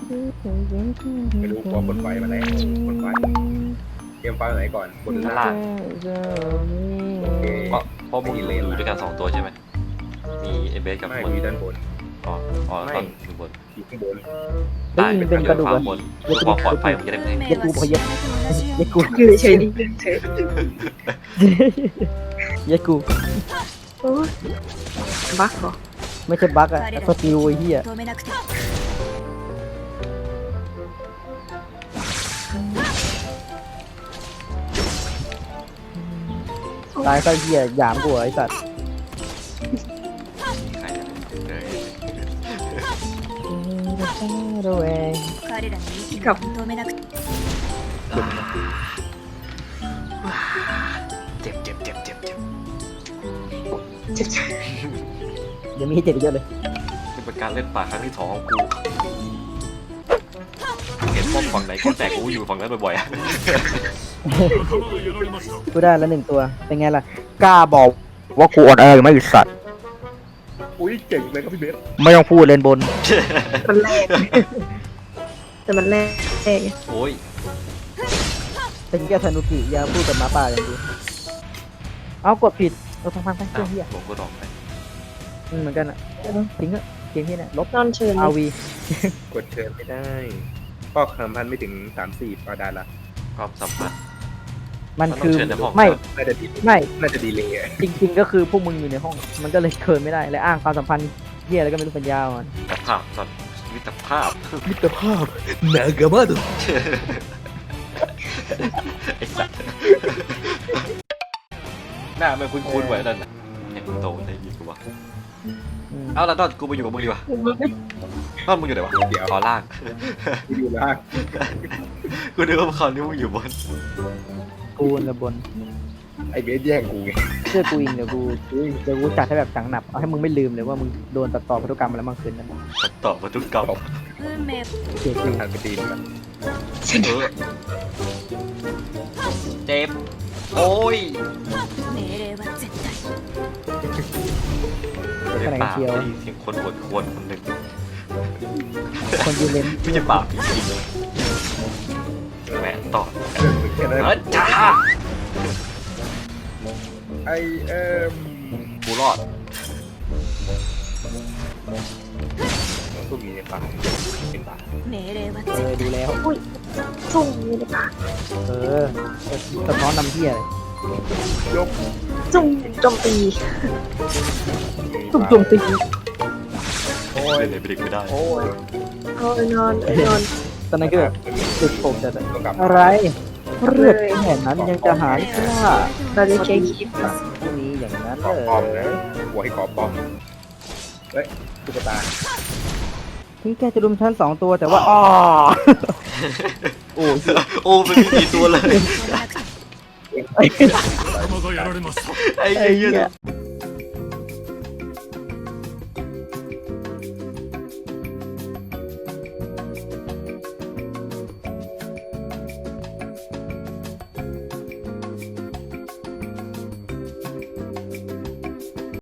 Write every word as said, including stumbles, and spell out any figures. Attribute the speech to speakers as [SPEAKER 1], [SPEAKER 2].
[SPEAKER 1] ไม่รู้ว่าบนไฟมาไหนบนไฟเกมไฟไหนก่อนบนหรือ
[SPEAKER 2] ข้าง
[SPEAKER 1] ล่า
[SPEAKER 2] ล่าง ง
[SPEAKER 1] โอเค
[SPEAKER 2] เพราะเพราะมึงอยู่ด้วยกันสองตัวใช่ไหมมีเอเบสกับ
[SPEAKER 1] ไม่
[SPEAKER 2] บน
[SPEAKER 1] มีด้านบน
[SPEAKER 2] อ๋ออ๋อ
[SPEAKER 1] ไม่
[SPEAKER 2] ตอนอยู่บน
[SPEAKER 1] อยู่ข้างบน
[SPEAKER 3] เฮ้ยมันเป็นกระดูก
[SPEAKER 2] ควา
[SPEAKER 3] อะ
[SPEAKER 2] มบนเพื่อความปลอดภัยมึงจะได้ไม่
[SPEAKER 3] เย็ดกูพอเย็ดเย็ดกู
[SPEAKER 4] อยู่เฉยๆดิเฉย
[SPEAKER 3] เย็ดกู
[SPEAKER 4] โอ้ยบักเหรอ
[SPEAKER 3] ไม่ใช่บั๊กอะสกิลไอ้เหี้ย
[SPEAKER 5] 止めなくて
[SPEAKER 3] ตายซะเหี้ยหยามกูเหรอไอ้สัตว์
[SPEAKER 2] ใครจะเออ
[SPEAKER 3] ระแวง
[SPEAKER 5] 彼らの息を止めなくて
[SPEAKER 2] เจ็บเจ็บเจ็บเจ็บเจ็บ
[SPEAKER 4] เจ็บใจ
[SPEAKER 3] เดี๋ยวมีให้เจ็บอีกเยอะเลย
[SPEAKER 2] นี่เป็นการเล่นป่าครั้งที่สองของกูเห็นป้อมฝั่งไหนก็แตกกูอยู่ฝั่งนั้นบ่อยๆอะ
[SPEAKER 3] กูได้แล้วหนึ่งตัว เป็นไงล่ะ กล้าบอกว่ากูอ่อนแอหรือไม่สัตว์
[SPEAKER 1] อุ้ยเก่งเลยครับพี่เบส
[SPEAKER 3] ไม่ต้องพูดเลนบน
[SPEAKER 4] มันแรกแต่มันแรกไง
[SPEAKER 2] โอ้ย
[SPEAKER 3] เป็นแค่ธนุกิอย่าพูดกับหมาป่าอย่างดีเอากดผิดเราทำฟังไปเชื่อเหี้ย
[SPEAKER 2] หลงก็ดอกไป
[SPEAKER 3] อืมเหมือนกันอะทิ้งอะเกมที่เนี่ยลบ
[SPEAKER 4] นอนเชิญ
[SPEAKER 3] อาวี
[SPEAKER 1] กดเชิญไม่ได้ก็คำพันไม่ถึงสามสี่ก็ได้ละ
[SPEAKER 2] ความสัมพันธ์
[SPEAKER 3] มัน
[SPEAKER 2] มันต้
[SPEAKER 3] คือ อง
[SPEAKER 2] เชิญในห้อง
[SPEAKER 3] ไม่
[SPEAKER 1] น่าจะดี
[SPEAKER 3] ไม่
[SPEAKER 1] น่าจะดีเลยอะ
[SPEAKER 3] จริง ๆ ก็คือพวกมึงอยู่ในห้อง มันก็เลยเคินไม่ได้และอ้างความสัมพันธ์เหี้ยอะไรก็ไม่รู้ปัญญาอ่อน
[SPEAKER 2] มิตรภาพตอนมิตรภาพ
[SPEAKER 3] มิตรภาพนากามาดุ
[SPEAKER 2] ไอ้สัตว์หน้ามันคุ้นๆไว้นั่นน่ะไอ้มึงโตได้ยินกูวะเอาละตอนกูไปอยู่กับมึงดีกว่าตอนมึงอยู่ไหนวะ
[SPEAKER 1] เดี๋ยว
[SPEAKER 2] ขอล่าง
[SPEAKER 1] กูอยู่ล่าง
[SPEAKER 2] กูนึกว่าคราวนี้มึงอยู่บน
[SPEAKER 3] กูนะบน
[SPEAKER 1] ไอเบสแย่งกูไง
[SPEAKER 3] เชื่อกูอิงเดี๋ยวกูเดี๋ยวกูจัดให้แบบจังหนับเอาให้มึงไม่ลืมเลยว่ามึงโดนตัดต่อพันธุกรรมมาแล้วบางคืนนั้น
[SPEAKER 2] ตอบมาทุกกรรม
[SPEAKER 5] 運命
[SPEAKER 3] เจ็บ
[SPEAKER 1] ซึ่งทางไปดีมัน
[SPEAKER 2] เออเจ็บโอ้ย
[SPEAKER 5] 命令は絶対
[SPEAKER 3] ขนาด
[SPEAKER 2] ป่า
[SPEAKER 3] เชียว
[SPEAKER 2] ได้ยินเสียงคนอวดควรคนหนึ่ง
[SPEAKER 3] คนยูเลน
[SPEAKER 2] ไม่ใช่ป่าจริงๆแหมต่อ
[SPEAKER 1] แค่นั้น
[SPEAKER 2] เออจ้า
[SPEAKER 1] ไอเอ็ม
[SPEAKER 2] กูรอด
[SPEAKER 1] พวกนี้ในป่าเป็นป่า
[SPEAKER 5] 命令は
[SPEAKER 3] เออดูแล้ว
[SPEAKER 4] ส่งนี่เลยค่ะ
[SPEAKER 3] เออสะท้อนนำเที่ยเลย
[SPEAKER 1] ยก
[SPEAKER 4] จุ่มโจมตี
[SPEAKER 1] ตุ่
[SPEAKER 4] จุ่มโจมตี
[SPEAKER 1] โอ้ย
[SPEAKER 2] เล่นไหนไปดึกไม่ได้
[SPEAKER 1] โอ้ย
[SPEAKER 4] เอาไปนอนไปนอน
[SPEAKER 3] ตอนนั้นก็แบบจุดผมจะ
[SPEAKER 1] ต้องกลับ
[SPEAKER 3] อะไรเลือดแค่นั้นยังจะหารกล้า
[SPEAKER 4] เราจะเช็คคลิป
[SPEAKER 3] ไม่มีอย่างนั้น
[SPEAKER 1] ขอ
[SPEAKER 3] เล
[SPEAKER 1] ปอม
[SPEAKER 3] ย
[SPEAKER 1] นะหัวให้ขอปอมเฮ้ยตุ๊กตา
[SPEAKER 3] ถึงแกจะรุมฉันสองตัวแต่ว่าอ๋อโอ้ย
[SPEAKER 2] โอ้มันมีกี่ตัวเลย
[SPEAKER 5] 止めなくて
[SPEAKER 2] ไอ้เหี้ย